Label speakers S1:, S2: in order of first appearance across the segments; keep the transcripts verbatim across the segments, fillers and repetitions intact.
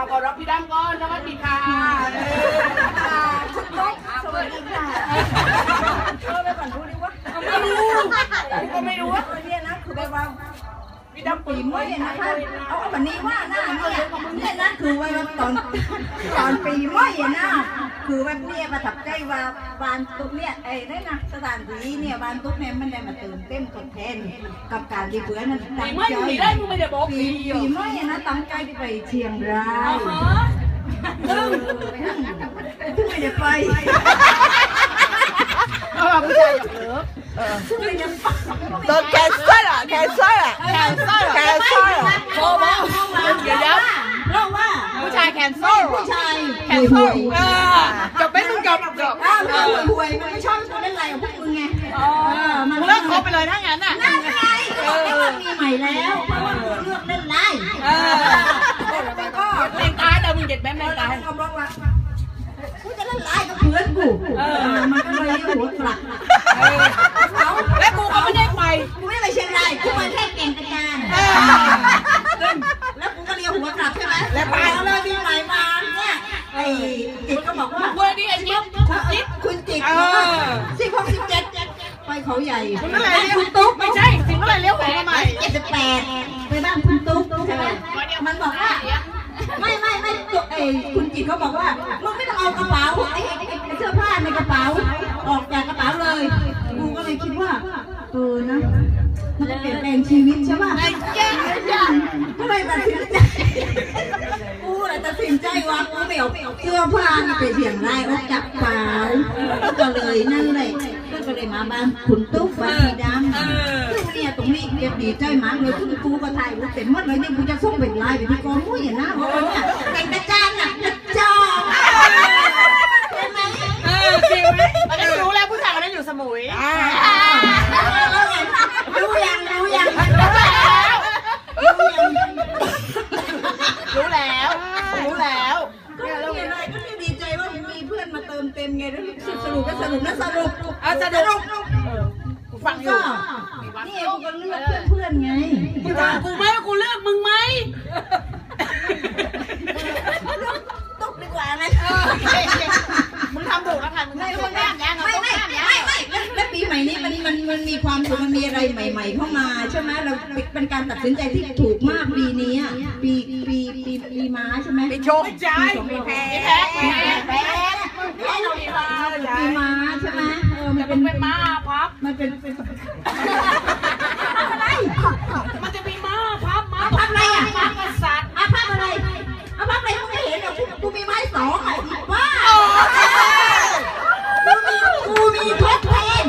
S1: ขอรับพี่ดำก่อนสวัสดีค่ะ
S2: คุณตุ๊กสวัสดีค่ะเออไปก่อนดูดิวะไม่รู้ก็ไม่รู้ว่าเนี่ยนะคือแบบว่าพี่ดำปีเมื่อนะคะเอาวันนี้ว่าหน้าเนี่ยเนี่ยนะคือว่าตอนตอนปีเมื่อนะคือว่าเนี่ยประทับใจว่าบานตุ๊กเนี่ยไอ้นี่นะสถานที่เนี่ยบานตุ๊กเนี่ยมันได้มาเติมเต็มทดแทนกับการที่เพื่อนนั้นตั้งใจปีได้ไม่ได้บอกปีปีเมื่อนะตั้งใจที่ไปเชียงรายซึ่งซึ่งไม่ได้ไป
S1: เอาผู้ชายหยอกเลิก
S3: 都开赛了，开赛了，
S1: แคนเซิล
S3: 开赛了。
S1: โอ้โหเดี๋ยวเดี๋ยว
S2: เพราะว่า
S1: ผู้ชายแคนเซิล
S2: ผู้ชาย
S1: แคนเซิลเออจบไม่มึงจบจบ
S2: อ้าวมันห่วยมันไม่ชอบคนเล่นไรของพวกมึงไงอ๋อมัน
S1: เลิกคบไปเลยถ้างั้นอ่ะ
S2: นั่นไงก็บอกว่ามีใหม่แล้วเพราะว่ามึงเลือกเล่นไรเออแล้วก็
S1: เล่นตายแต่มึงเด็ดแม่เล่นตาย
S2: เขาบอกว่ากูจะเล่นไรกับเพื่อนกูเออมันก็เลยหัวกลัก
S1: แล้วกูก็ไม่ได้ไป
S2: กูไม่ได้ไปเชียงรายกูมาแค่เก่งกระจานแล้วกูก็เลี้ยวหัวกลับใช่ไหมแล้วไปแล้วเลยมีใหม่มาเนี่ยไอ้จิตก็บอกว่า
S1: เมื่อนี้ไอ้จิ๊บคุณจิ๊บ
S2: คุณจิตสิบหกสิบเจ็ดไปเขาใหญ่
S1: คุณอะไรเลี้ยวคุณตุ๊กไม่ใช่สิคุณอะไรเลี้ยวหัวมาใหม่
S2: เจ็ดสิบแปดไปบ้านคุณตุ๊กใช่ไหมมันบอกว่าไม่ไม่ไม่ไอ้คุณจิตเขาบอกว่ามึงไม่ต้องเอากระเป๋าไอ้เสื้อผ้าในกระเป๋าออกจากกระเป๋าเลยกูก็เลยคิดว่าเออนะมันจะเปลี่ยนแปลงชีวิตใช่ป่ะก็เลยตัดสินใจกูเลยตัดสินใจว่ากูไม่เอาเสื้อผ้านี่ไปเสี่ยงรายออกจากกระเป๋าก็เลยนั่นแหละก็เลยมาบ้านคุณตุ๊กบ้านพี่ดำซึ่งเนี่ยตรงนี้เรียบดีใจมากเลยคุณกูก็ถ่ายรูปเต็มหมดเลยนี่กูจะส่งเป็นลายไปที่กองมุ้ยนะเพราะว่าเนี่ยเป็นกระจานหนักกระจอกใช่ไหม
S1: เออจริงไหมตอนนี้รู้แล้วผู้ชายคนนั้นอยู่สมุย
S2: รู้ยังรู้ยัง
S1: รู้แล้วรู้แล้ว
S2: ก็มีอะไรก็ดีใจว่ามีเพื่อนมาเติมเต็มไงแล้วสรุปก็สรุปนะสรุป
S1: เอาสรุปกูฟังอยู่
S2: นี่กูก็เลือกเพื่อนไง
S1: กูถามกูไหมว่ากูเลือกมึงไหม
S2: ตกดีกว่าไหม
S1: มึงทำถูกแล้วค่ะมึงไม่ไม่
S2: ไม่ไม่ไม่ไม่และปีใหม่นี้มันมันมันมีความสุขมันมีอะไรใหม่ๆเข้ามาใช่ไหมเราเป็นการตัดสินใจที่ถูกมากปีนี้ปีปีปีปีม้าใช่ไหม
S1: ปีชงใช่ปีแพ้แพ้แพ้แพ้แพ้เราปีม้า
S2: ปีม้าใช่ไหมเออมัน
S1: เป็นเป็นม้าพับ
S2: มันเป็นเป็นอะไร
S1: มันจะมีม้าพับม้า
S2: พับอะไรอ่ะ
S1: ม้ากษัตริย์
S2: อ่ะพับอะไรอ่ะพับอะไรกูไม่เห็นหรอกกูมีไม้สองอ่ะว้ากูมีทดแทน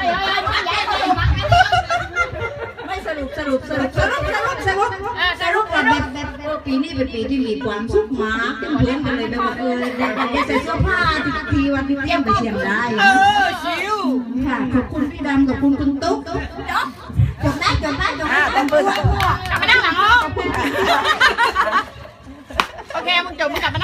S2: ไม่สรุปสรุปสรุปสรุปสรุปสรุปสรุปแบบแบบปีนี้เป็นปีที่มีความสุขมากเพื่อนกันเลยแบบเออได้ใส่เสื้อผ้าทีวันที่เที่ยงไปเชียงราย
S1: เออชิว
S2: ค่ะขอบคุณพี่ดำขอบคุณคุณตุ๊กจบจบได้จบได้จบได้จบได้
S1: กลับมานั่งหลังห้องโอเคมึงจบมึงกลับ